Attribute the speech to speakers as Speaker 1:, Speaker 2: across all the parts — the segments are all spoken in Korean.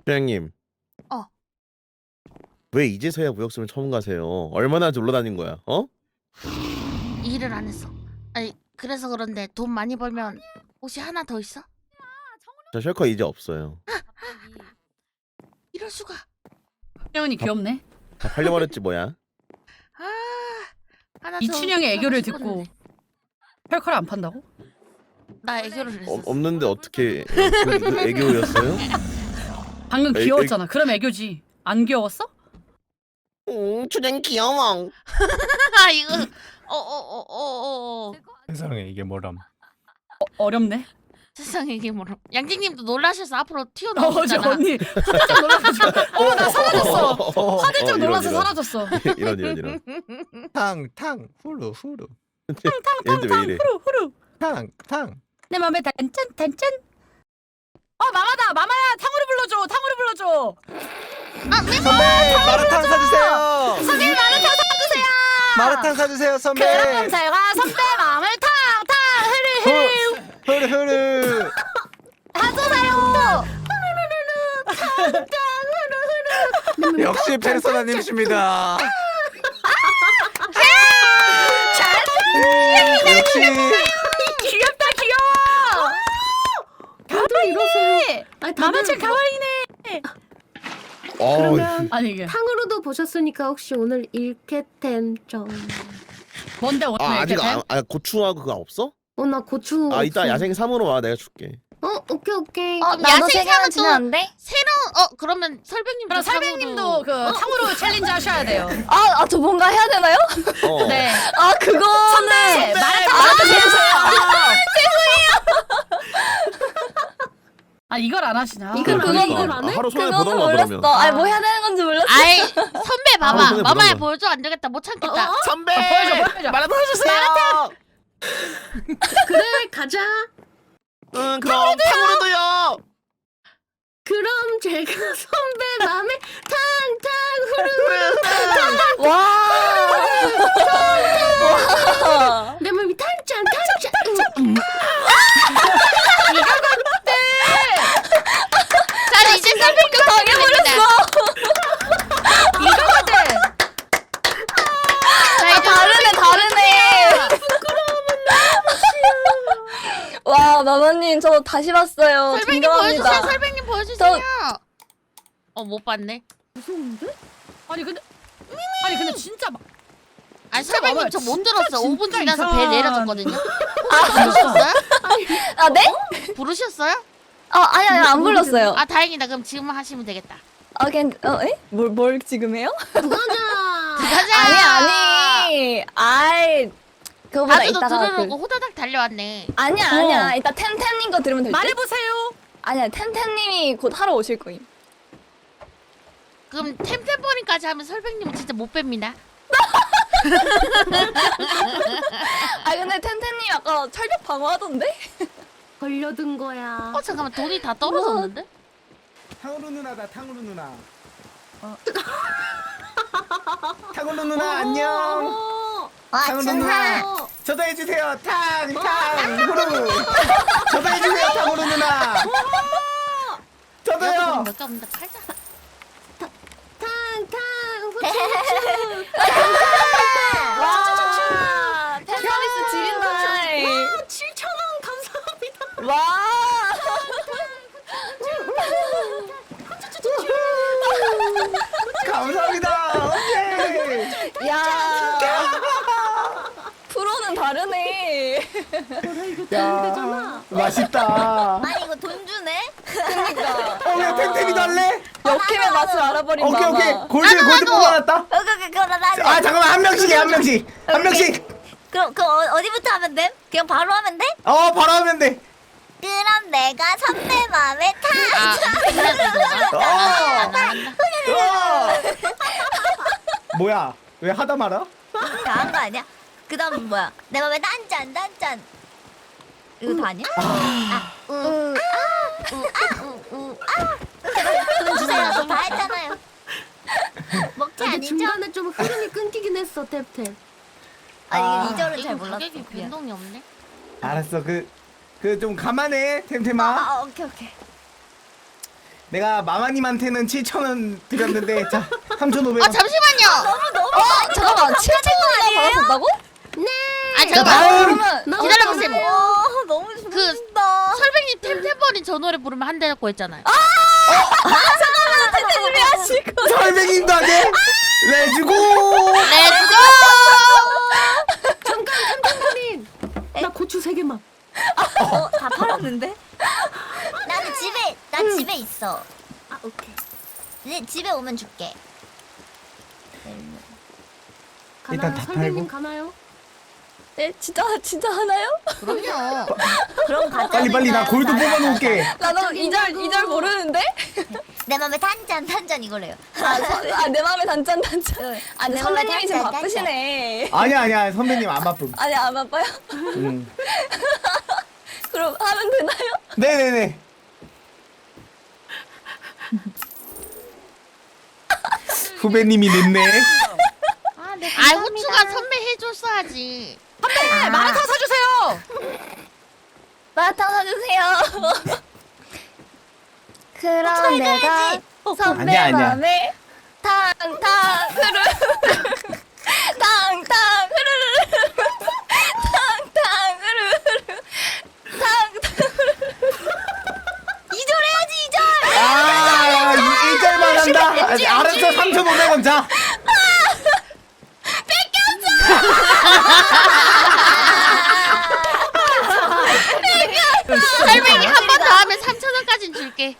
Speaker 1: 부장님,
Speaker 2: 어.
Speaker 1: 왜 이제서야 무역수를 처음 가세요? 얼마나 놀러 다닌 거야? 어?
Speaker 2: 일을 안 했어. 아니 그래서 그런데 돈 많이 벌면 옷이 하나 더 있어?
Speaker 1: 저 셜커 이제 없어요.
Speaker 2: 이럴 수가.
Speaker 3: 춘영이 귀엽네.
Speaker 1: 다 팔려버렸지 뭐야?
Speaker 2: 아 하나 더
Speaker 3: 이춘영의
Speaker 2: 사고
Speaker 3: 애교를
Speaker 2: 싶었는데.
Speaker 3: 듣고 펄컬 안 판다고?
Speaker 2: 나 애교를 했어.
Speaker 1: 없는데 어떻게 그 애교였어요?
Speaker 3: 방금
Speaker 1: 애-
Speaker 3: 귀여웠잖아. 그럼 애교지. 안 귀여웠어?
Speaker 1: 춘향 귀여워.
Speaker 2: 아 이거 어어어어어
Speaker 4: 세상에 이게 뭐람.
Speaker 3: 어렵네.
Speaker 2: 세상에 이게 뭐라. 양띵님도 놀라셔서 앞으로
Speaker 3: 어제
Speaker 2: 튀어나오셨잖아.
Speaker 3: 언니 화들짝 놀라가지고 나 사라졌어. 화들짝 놀라서
Speaker 1: 이런.
Speaker 3: 사라졌어.
Speaker 1: 이런.
Speaker 4: 탕탕 후루 후루
Speaker 1: 얘한테 왜 이래?
Speaker 3: 후루 후루.
Speaker 4: 탕탕.
Speaker 3: 내 맘에 단짠. 마마다 마마야 탕후루 불러줘. 탕후루 불러줘.
Speaker 4: 선배 마라탕 사주세요.
Speaker 3: 선생님 마라탕 사주세요.
Speaker 4: 마라탕 사주세요 선배.
Speaker 3: 그럼 제가 선배 마음을 탕탕 흐르
Speaker 4: 후루.
Speaker 3: 사주세요.
Speaker 4: 역시 페르소나님이십니다. 역시
Speaker 3: 귀엽다 귀여워.
Speaker 5: 다들 이러세요. 아니,
Speaker 3: 마마짱 가와이네.
Speaker 5: 그러면
Speaker 3: 아니 이게
Speaker 5: 탕후루도 보셨으니까 혹시 오늘 일캐템 좀.
Speaker 3: 뭔데 오늘
Speaker 1: 아직
Speaker 3: 이렇게 돼?
Speaker 1: 고추하고 그거 없어?
Speaker 5: 나 고추.
Speaker 1: 이따
Speaker 5: 없어.
Speaker 1: 야생 3으로 와 내가 줄게.
Speaker 5: 오케이.
Speaker 2: 나도
Speaker 6: 야생
Speaker 2: 세 개는
Speaker 6: 사면 주면 안 돼?
Speaker 2: 새로운 그러면 설백님도
Speaker 3: 그럼 설백님도 그 탕후루 챌린지 하셔야 돼요.
Speaker 6: 저 뭔가 해야 되나요?
Speaker 3: 네.
Speaker 6: 그거는
Speaker 3: 선배 마라탕 주세요. 아 이걸 안 하시나?
Speaker 5: 이걸
Speaker 6: 그거-
Speaker 5: 안 해? 이걸 안 해?
Speaker 1: 하루 손에
Speaker 6: 그거는
Speaker 1: 보던가
Speaker 6: 몰랐어.
Speaker 1: 그러면.
Speaker 6: 아니 뭐 해야 되는 건지 몰랐어.
Speaker 2: 아이 선배 봐봐.
Speaker 1: 손에
Speaker 2: 마마야
Speaker 1: 묻은 거.
Speaker 2: 보여줘. 안 되겠다. 못 참겠다.
Speaker 1: 선배
Speaker 3: 보여줘.
Speaker 1: 마라탕 해주세요.
Speaker 5: 그래 가자.
Speaker 1: 응 그럼 탕후루도요.
Speaker 5: 그럼 제가 선배 마음에 탕탕 후루.
Speaker 6: 와.
Speaker 5: 내 몸이 탄짠.
Speaker 2: 자 이제 설백님 당해버렸어.
Speaker 3: 이거거든.
Speaker 2: 자 이제
Speaker 6: 다르네. 와 마마님 저 다시 봤어요.
Speaker 2: 설백님 보여주세요.
Speaker 6: 존경합니다.
Speaker 2: 설백님 보여주세요. 못 봤네.
Speaker 5: 무서운데?
Speaker 3: 아니 근데 진짜 막
Speaker 2: 아니
Speaker 3: 진짜
Speaker 2: 설백님
Speaker 3: 봐봐요.
Speaker 2: 저 못
Speaker 3: 진짜,
Speaker 2: 들었어. 5분
Speaker 3: 진짜
Speaker 2: 지나서 배
Speaker 3: 이상한-
Speaker 2: 내려졌거든요. 부르셨어요?
Speaker 6: 아 네?
Speaker 2: 부르셨어요?
Speaker 6: 아니 안 불렀어요.
Speaker 2: 아 다행이다. 그럼 지금 하시면 되겠다.
Speaker 6: 에? 뭘 지금 해요?
Speaker 2: 가자.
Speaker 6: 아니. 아이 그거보다
Speaker 2: 나도 너
Speaker 6: 이따가
Speaker 2: 들으려고 호다닥 달려왔네.
Speaker 6: 아니야. 이따 템템님 거 들으면 될 듯?
Speaker 3: 말해보세요.
Speaker 6: 아니야 템템님이 곧 하러 오실 거임.
Speaker 2: 그럼 템템버린까지 하면 설백님은 진짜 못 뺍니다.
Speaker 6: 근데 템템님 아까 철벽 방어하던데?
Speaker 5: 걸려든 거야.
Speaker 2: 잠깐만 돈이 다 떨어졌는데?
Speaker 4: 탕후루 누나다 탕후루 누나. 탕후루 누나 안녕. 탕후루 누나. 저도 해주세요. 탕탕 후루. 저도 해주세요 탕후루 누나. 저도요.
Speaker 2: 몇개 없는데 팔자.
Speaker 5: 탕탕
Speaker 6: 와 팬서비스 지린다.
Speaker 5: 7,000원 감사합니다.
Speaker 6: 와
Speaker 4: 감사합니다. 오케이.
Speaker 6: 야 프로는 다르네.
Speaker 5: 이거 되잖아.
Speaker 4: 맛있다.
Speaker 6: 아니 이거 돈 주네? 그니까
Speaker 4: 왜 템템이도 할래?
Speaker 6: 역캠의 맛을 알아버린
Speaker 4: 오케이
Speaker 6: 마마.
Speaker 4: 오케이. 골드 뽑아놨다.
Speaker 6: 그럼 나
Speaker 4: 아 잠깐만 한 명씩 해 한 명씩. 한 명씩.
Speaker 6: 그럼 어디부터 하면 돼? 그냥 바로 하면 돼?
Speaker 4: 바로 하면 돼.
Speaker 6: 그럼 내가 선배 마음에
Speaker 4: 뭐야? 왜 하다 말아?
Speaker 6: 다한 거 아니야? 그 다음 뭐야? 내 맘에 단짠 이거 다 아니야? 돈 주세요. 저 다 했잖아요. 먹지
Speaker 5: 근데
Speaker 6: 아니죠?
Speaker 5: 중간에 좀 흐름이 끊기긴 했어 탭탭.
Speaker 6: 아니 이게 2절은 잘
Speaker 2: 이거
Speaker 6: 몰랐어.
Speaker 2: 가격이 변동이 없네.
Speaker 4: 알았어 그 좀 감안해 템템아.
Speaker 6: 오케이.
Speaker 4: 내가 마마님한테는 7,000원 드렸는데 자 3,500원.
Speaker 2: 아 잠시만요.
Speaker 3: 잠깐만 7,000원이나 받았었다고?
Speaker 2: 아
Speaker 4: 자,
Speaker 2: 잠깐만.
Speaker 4: 다음.
Speaker 2: 기다려보세요.
Speaker 6: 와 너무 좋다.
Speaker 2: 설백님 템템버린 저 노래 부르면 한 대라고 했잖아요.
Speaker 4: 설백님도 하게. 레츠고.
Speaker 2: 렛츠고!
Speaker 5: 잠깐 템템버린. 나 고추 3개만.
Speaker 6: 다 팔았는데? 난 집에 있어.
Speaker 5: 아 오케이.
Speaker 6: 네, 집에 오면 줄게.
Speaker 4: 일단
Speaker 5: 가나요?
Speaker 4: 다
Speaker 5: 설백님
Speaker 4: 팔고.
Speaker 5: 가나요?
Speaker 3: 네 진짜 하나요?
Speaker 2: 그럼요.
Speaker 6: 그럼 가자.
Speaker 4: 빨리 나 골드 뽑아놓을게.
Speaker 3: 나도 이절 모르는데?
Speaker 6: 내 맘에 단짠 이거래요.
Speaker 3: 내 마음에 단짠. 아 근데
Speaker 6: 내 맘에
Speaker 3: 선배님이 지금
Speaker 6: 단짠.
Speaker 3: 바쁘시네.
Speaker 4: 아니야 선배님 안 바쁨.
Speaker 3: 아니 안 바빠요? 그럼 하면 되나요?
Speaker 4: 네네네. 후배님이 늦네.
Speaker 2: 아 후추가 선배 해줬어야지.
Speaker 3: 네, 마라탕 사주세요.
Speaker 6: 마라탕 사주세요. 그럼 내가 선배
Speaker 4: 아니야.
Speaker 6: 맘에 탕탕 흐르르 탕탕 흐르르 탕탕 흐르르 탕탕 흐르르 2절 해야지 2절.
Speaker 4: 아 1절만 한다. 알았어 3,500원 자.
Speaker 2: 설백이 한 번 더 하면 3,000원까진 줄게.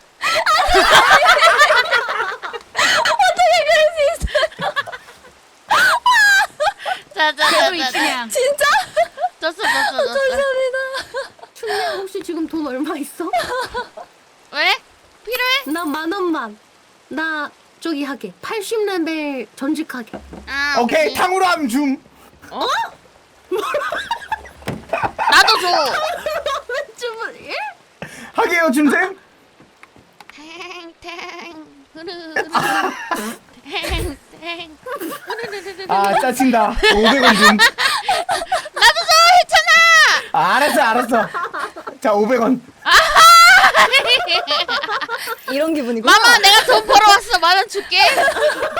Speaker 2: 자자자자.
Speaker 3: 진짜?
Speaker 2: 줬어.
Speaker 5: 춘향 혹시 지금 돈 얼마 있어?
Speaker 2: 왜? 필요해?
Speaker 5: 나 10,000원만. 나 저기 하게. 80레벨 전직하게.
Speaker 2: 아
Speaker 4: 오케이 탕후루 함 줌.
Speaker 2: 나도 줘.
Speaker 5: 주문 예?
Speaker 4: 하게요 줌쌤.
Speaker 2: 탱탱 흐르르 탱탱 흐르르르르.
Speaker 4: 아 짜친다. 500원 줌.
Speaker 2: 나도 줘 했잖아.
Speaker 4: 아, 알았어. 자 500원.
Speaker 3: 이런 기분이구나.
Speaker 2: 마마 내가 돈 벌어왔어. 10,000원 줄게.